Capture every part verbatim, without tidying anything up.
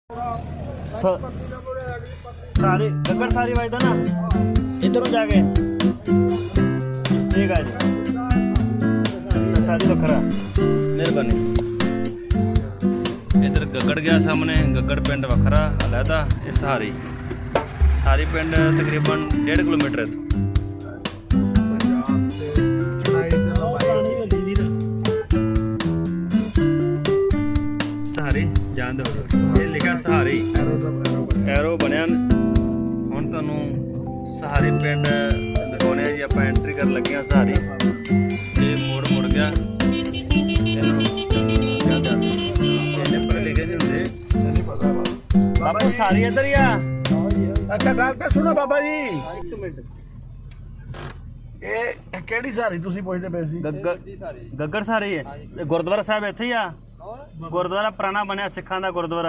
सारी गगड़ सारी वायदा ना इधरों जाके ठीक है जी सारी वखरा मेहरबानी। इधर गगड़ गया सामने गगड़ पिंड वखरा अलहदा ये सहारी सारी पिंड तकरीबन डेढ़ किलोमीटर है। सहारी जान दो ये लिखा सहारी एरो बनया हुण तुहानूं सहारी पिंड दिखाने जी आप एंट्री कर लगे हैं। सहारी ये मोड़ मुड़ गया लिखे जी होंगे बापू सारी इधर ही आ। अच्छा गल तो सुनो बाबा जी एक मिनट ਇਹ ਕਿਹੜੀ ਸਾਰੀ ਤੁਸੀਂ ਪੁੱਛਦੇ ਪਏ ਸੀ? गगड़ सारी है गुरुद्वारा साहब इत्थे ही आ गुरुद्वारा पुराना बनया सिखां दा गुरुद्वारा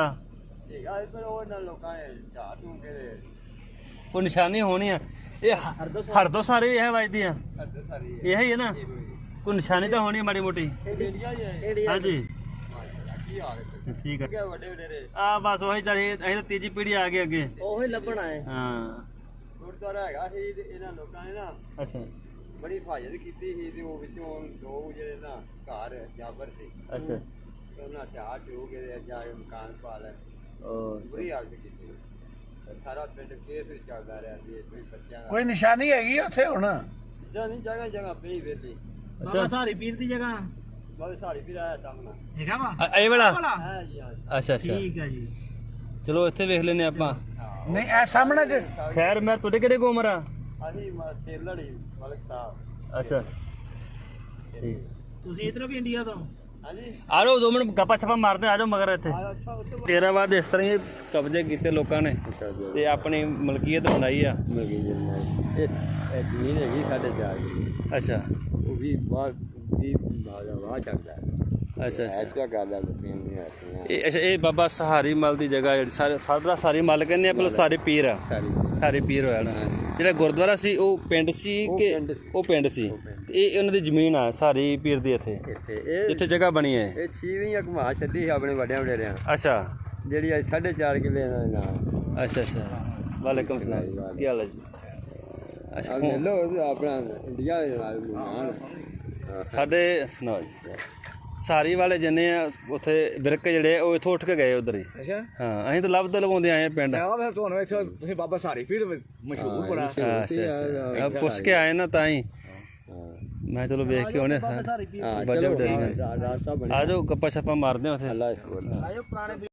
कोई निशानी होनी है ये हरदो सारी है वजदी है यही है ना कोई निशानी तो होनी है माड़ी मोटी। हाँ जी ठीक है आ बस वही चाहिए अं तो तीजी पीढ़ी आ गई अगे वही लभना है। हाँ गुरुद्वारा हैगा सी इन्हां लोकां ने ना अच्छा बड़ी हिफाजत कीती सी ते ओह विचों दो जेहड़े ना घर जाबर सी अच्छा ਉਹਨਾਂ ਢਾਹ ਢੂ ਕੇ ਜਾ ਕੇ ਮਕਾਨ ਪਾ ਲੈ ਬੁਰੀ ਹਾਲਤ ਕੀਤੀ ਸਾਰਾ ਪਿੰਡ ਕੇਸ ਵਿੱਚ ਚੱਲਦਾ ਰਿਹਾ ਸੀ ਕੋਈ ਬੱਚਿਆਂ ਦਾ ਕੋਈ ਨਿਸ਼ਾਨੀ ਹੈਗੀ ਉੱਥੇ ਹੁਣ? ਜਾਂ ਨਹੀਂ ਜਗ੍ਹਾ ਜਗ੍ਹਾ ਪਈ ਵੇਲੀ बाबा सारी पीर दी जगह ਬਾਬੇ ਸਾਰੀ ਵੀ ਆਇਆ ਸਾਹਮਣਾ हैगा वा ए वाला ਹਾਂ ਜੀ ਹਾਂ अच्छा अच्छा ठीक है जी चलो इत्थे वेख लेने आपां। ਨਹੀਂ ਇਹ ਸਾਹਮਣੇ ਚ खैर मैं तुहाडे किहड़े को उम्र आ? ਅਸੀਂ ਤੇਲੜੀ ਮਲਕ ਸਾਹਿਬ अच्छा ठीक ਤੁਸੀਂ ਇਧਰੋਂ ਵੀ ਇੰਡੀਆ ਤੋਂ ਹਾਂਜੀ आ जाओ दो मिनट गप्पा छप्पा मारते आ जाओ मगर इत्थे ਅੱਛਾ ਉੱਥੇ ਤੇਰਾ ਬਾਅਦ ਇਸ ਤਰ੍ਹਾਂ ਹੀ ਕਬਜ਼ੇ ਕੀਤੇ ਲੋਕਾਂ ਨੇ ਤੇ ਆਪਣੀ ਮਲਕੀਅਤ ਬਣਾਈ ਆ। ਮਿਲ ਗਈ ਜੀ ਇਹ ਜ਼ਮੀਨ ਹੈਗੀ ਸਾਡੇ ਚਾਰ ਦੀ ਅੱਛਾ ਉਹ ਵੀ ਬਾਹਰ ਵੀ ਬਾਹਰ ਵਾਹ ਚੱਲਦਾ ਹੈ ਅੱਛਾ ਅੱਛਾ ਐਸਾ ਗੱਲ ਹੈ ਲੋਕਾਂ ਨੇ ਇਹ ਅੱਛਾ ਇਹ ਬਾਬਾ ਸਹਾਰੀ ਮਲ ਦੀ ਜਗ੍ਹਾ ਜਿਹੜੀ ਸਾਰੇ ਸਾਡਾ ਸਾਰੀ ਮਲ ਕਹਿੰਦੇ ਆ ਪਹਿਲਾਂ ਸਾਰੇ ਪੀਰ ਆ ਸਾਰੀ ਸਾਰੇ ਪੀਰ ਹੋਇਆ ਨਾ ਜਿਹੜਾ ਗੁਰਦੁਆਰਾ ਸੀ ਉਹ ਪਿੰਡ ਸੀ ਕਿ ਉਹ ਪਿੰਡ ਸੀ ਤੇ ਇਹ ਉਹਨਾਂ ਦੀ ਜ਼ਮੀਨ ਆ ਸਾਰੀ ਪੀਰ ਦੀ ਇੱਥੇ ਇੱਥੇ ਇਹ ਜਿੱਥੇ ਜਗ੍ਹਾ ਬਣੀ ਹੈ। ਇਹ ਛੀਵੀਂ ਘੁਮਾ ਛੱਡੀ ਸੀ ਆਪਣੇ ਵੱਡਿਆਂ ਵਡੇਰਿਆਂ ਅੱਛਾ ਜਿਹੜੀ ਅੱਜ ਸਾਢੇ ਚਾਰ ਕਿੱਲੇ ਇਹਨਾਂ ਦੇ ਨਾਲ ਅੱਛਾ ਅੱਛਾ ਵਾਲੇਕੁਮ ਸਲਾਮ ਕੀ ਹਾਲ ਹੈ ਜੀ? ਅੱਛਾ ਆ ਲੈ ਲੋ ਆਪਣਾ ਇੰਡੀਆ ਦੇ ਨਾਲ ਨਾਲ ਸਾਡੇ ਸੁਣਾਓ ਜੀ ਸਾਰੀ ਵਾਲੇ ਜਿੰਨੇ ਆ ਉੱਥੇ ਬਿਰਕ ਜਿਹੜੇ ਉਹ ਇੱਥੋਂ ਉੱਠ ਕੇ ਗਏ ਉਧਰ ਹੀ। ਅੱਛਾ ਹਾਂ ਅਸੀਂ ਤਾਂ ਲੱਭਦੇ ਲਵਾਉਂਦੇ ਆਏ ਆ ਪਿੰਡ। ਆ ਫਿਰ ਤੁਹਾਨੂੰ ਇੱਥੇ ਤੁਸੀਂ ਬਾਬਾ ਸਾਰੀ ਪੀਰ ਮਸ਼ਹੂਰ ਬੜਾ ਅੱਛਾ ਅੱਛਾ ਪੁੱਛ ਕੇ ਆਏ ਨਾ ਤਾਂ ਹੀ ਮੈਂ ਚਲੋ ਵੇਖ ਕੇ ਉਹਨੇ ਹਾਂ ਵਜ੍ਹਾ ਚਲੋ ਵਡੇਰੀ ਰਾਸਤਾ ਬਣਿਆ ਆ ਜਾਓ ਗੱਪਾ ਛੱਪਾ ਮਾਰਦੇ ਹਾਂ ਉੱਥੇ। ਅੱਲਾ ਇਸ ਕੋਲ ਆਇਓ ਪੁਰਾਣੇ